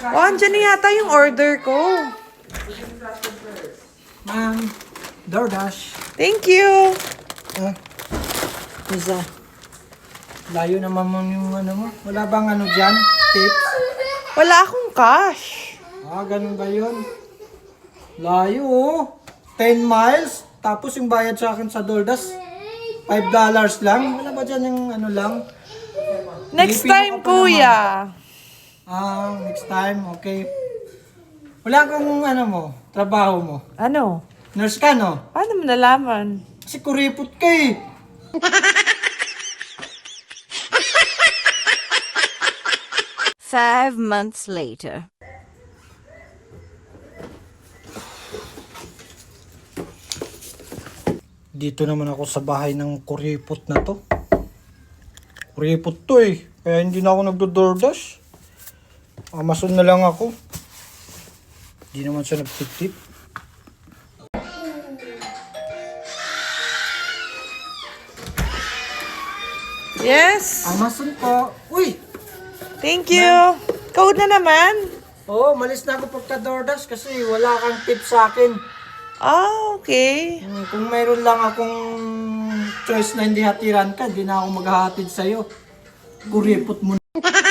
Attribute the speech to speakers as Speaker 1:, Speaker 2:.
Speaker 1: Oh, andyan na yata yung order ko.
Speaker 2: Ma'am, DoorDash.
Speaker 1: Thank you.
Speaker 2: Isa. Layo naman mo yung ano mo. Wala bang ano dyan? Tips?
Speaker 1: Wala akong cash.
Speaker 2: Ganun ba yun? Layo oh. 10 miles. Tapos yung bayad sa akin sa DoorDash, $5 lang. Wala ba dyan yung ano lang?
Speaker 1: Next
Speaker 2: Pilipino
Speaker 1: time,
Speaker 2: ka pa
Speaker 1: kuya.
Speaker 2: Next time, okay. Wala kang ano mo, trabaho mo.
Speaker 1: Ano?
Speaker 2: Nurse ka, no?
Speaker 1: Paano mo nalaman?
Speaker 2: Kasi kuripot ka eh.
Speaker 3: Five months later.
Speaker 2: Dito naman ako sa bahay ng kuripot na to. Kuripot to eh. Kaya hindi na ako nagdo-DoorDash. Amazon na lang ako. Hindi naman siya nagtip-tip.
Speaker 1: Yes.
Speaker 2: Amazon po. Uy!
Speaker 1: Thank you. Code na naman.
Speaker 2: Oo, malis na ako pagka-DoorDash kasi wala kang tip sa akin.
Speaker 1: Okay.
Speaker 2: Kung mayroon lang akong choice na hindi hatiran ka, hindi na ako maghahatid sa'yo. Kuripot mo na.